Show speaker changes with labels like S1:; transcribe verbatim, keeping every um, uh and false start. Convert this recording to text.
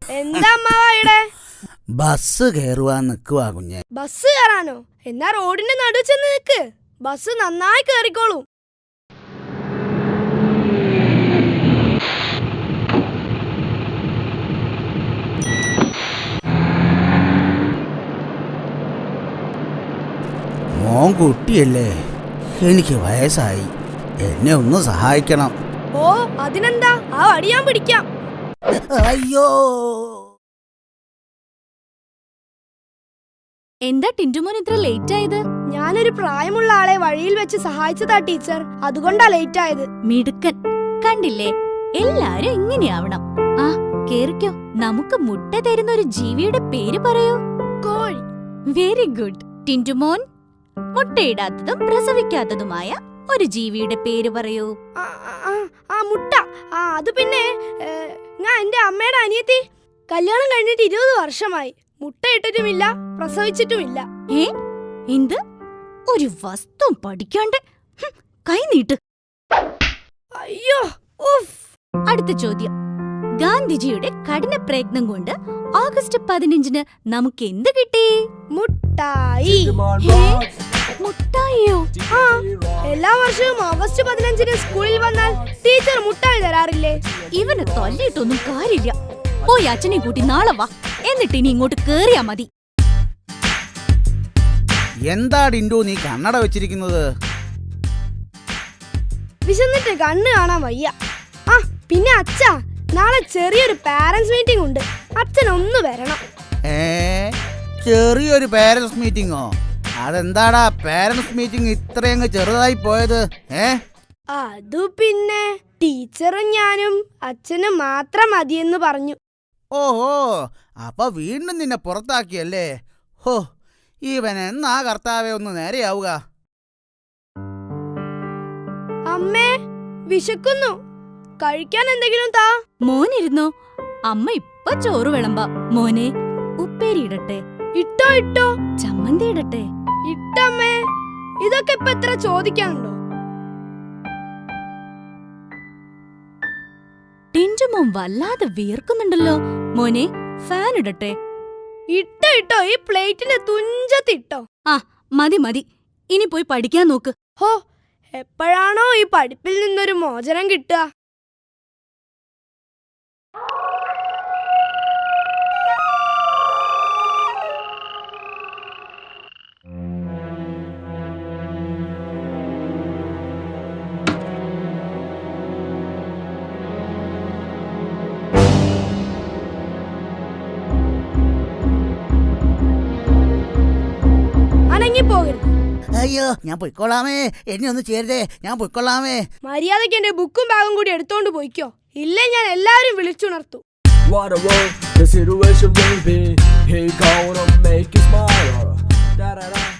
S1: എന്താ അമ്മാവാ?
S2: ബസ് കയറുവാൻ നിക്കുവാ കുഞ്ഞെ.
S1: ബസ് കയറാനോ? എന്നാ റോഡിന്റെ നടുവ് ചെന്ന് നിക്ക്, ബസ് നന്നായി കേറിക്കോളൂ.
S2: മോൻ കുട്ടിയല്ലേ, എനിക്ക് വയസ്സായി, എന്നെ ഒന്ന് സഹായിക്കണം.
S1: ഓ അതിനെന്താ, ആ വടി ഞാൻ പിടിക്കാം.
S2: അയ്യോ,
S3: എന്താ ടിന്റുമോൻ ഇത്ര ലേറ്റ് ആയത്?
S1: ഞാനൊരു പ്രായമുള്ള ആളെ വഴിയിൽ വെച്ച് സഹായിച്ചതാ ടീച്ചർ, അതുകൊണ്ടാ ലേറ്റ് ആയത്.
S3: മിടുക്കൻ. കണ്ടില്ലേ, എല്ലാരും ഇങ്ങനെയാവണം. ആ കേറിക്കോ. നമുക്ക് മുട്ട തരുന്ന ഒരു ജീവിയുടെ പേര് പറയൂ.
S1: കോഴി.
S3: Very good. ടിന്റുമോൻ, മുട്ടയിടാത്തതും പ്രസവിക്കാത്തതുമായ ഒരു ജീവിയുടെ പേര് പറയൂ.
S1: ആ മുട്ട. ആ അത് പിന്നെ ഞാൻ എന്റെ അമ്മയുടെ അനിയത്തി. കല്യാണം കഴിഞ്ഞിട്ട് ഇരുപത് വർഷമായി. മുട്ട ഇട്ടിട്ടുമില്ല, പ്രസവിച്ചിട്ടുമില്ല.
S3: ഏ എന്ത്? ഒരു വസ്തു പഠിക്കാണ്ട് കൈ നീട്ട്.
S1: അയ്യോ.
S3: അടുത്ത ചോദ്യം. ഗാന്ധിജിയുടെ കഠിന പ്രയത്നം കൊണ്ട് ഓഗസ്റ്റ് പതിനഞ്ചിന് നമുക്ക് എന്ത് കിട്ടി?
S1: മുട്ടായി.
S3: മുട്ടായിയോ?
S1: ആ, എല്ലാ വർഷവും ഓഗസ്റ്റ് പതിനഞ്ചിന് സ്കൂളിൽ വന്നാൽ ടീച്ചർ മുട്ടായി തരാറില്ലേ?
S3: ഇവന് തല്ലിയിട്ടൊന്നും കാര്യമില്ല. പോയി അച്ഛനെ കൂട്ടി നാളെ വാ, എന്നിട്ട് ഇനി ഇങ്ങോട്ട് കേറിയാ മതി.
S2: എന്താ ടിന്റു നീ കണ്ണട വെച്ചിരിക്കുന്നത്?
S1: വിശന്നിട്ട് കണ്ണ് കാണാൻ വയ്യ. ആ പിന്നെ അച്ഛാ, നാളെ ചെറിയൊരു പാരന്റ്സ് മീറ്റിംഗ് ഉണ്ട്, അച്ഛൻ ഒന്ന് വരണം.
S2: ഏ ചെറിയൊരു പാരന്റ്സ് മീറ്റിംഗോ? അതെന്താടാ പാരന്റ്സ് മീറ്റിംഗ് ഇത്രയങ്ങ് ചെറുതായി പോയത്? ഏ
S1: അതു പിന്നെ ടീച്ചറും ഞാനും അച്ഛനും മാത്രം മതിയെന്ന് പറഞ്ഞു.
S2: ഓഹോ, അപ്പൊ വീണ്ടും നിന്നെ പുറത്താക്കിയല്ലേ? ഹോ, ഇവൻ എന്നാ കർത്താവേ ഒന്ന് നേരെയാവുക.
S1: അമ്മേ, വിശക്കുന്നു, കഴിക്കാൻ എന്തെങ്കിലും താ.
S3: മോനിരുന്നോ, അമ്മ ഇപ്പൊ ചോറ് വിളമ്പാ. മോനെ, ഉപ്പേരി ഇടട്ടെ?
S1: ഇട്ടോ ഇട്ടോ.
S3: ചമ്മന്തി ഇടട്ടെ?
S1: ഇട്ടമ്മേ. ഇതൊക്കെ ഇപ്പൊ എത്ര ചോദിക്കാനുണ്ടോ?
S3: ടിന്റുമോൻ വല്ലാതെ വീർക്കുന്നുണ്ടല്ലോ. മോനെ, ഫാൻ ഇടട്ടെ?
S1: ഇട്ടോ ഇട്ടോ, ഈ പ്ലേറ്റിന്റെ തുഞ്ചത്തിട്ടോ.
S3: ആ മതി മതി, ഇനി പോയി പഠിക്കാൻ നോക്ക്.
S1: ഹോ, എപ്പോഴാണോ ഈ പഠിപ്പിൽ നിന്നൊരു മോചനം കിട്ടുക?
S2: അയ്യോ, ഞാൻ പൊയ്ക്കൊള്ളാമേ, എന്നെ ഒന്ന് ചേരുതേ, ഞാൻ പൊയ്ക്കൊള്ളാമേ.
S1: മര്യാദയ്ക്ക് എന്റെ ബുക്കും ബാഗും കൂടി എടുത്തോണ്ട് പോയിക്കോ, ഇല്ലേ ഞാൻ എല്ലാരും വിളിച്ചുണർത്തും.
S4: What a world the situation will be. He gonna make you smile. Da da da.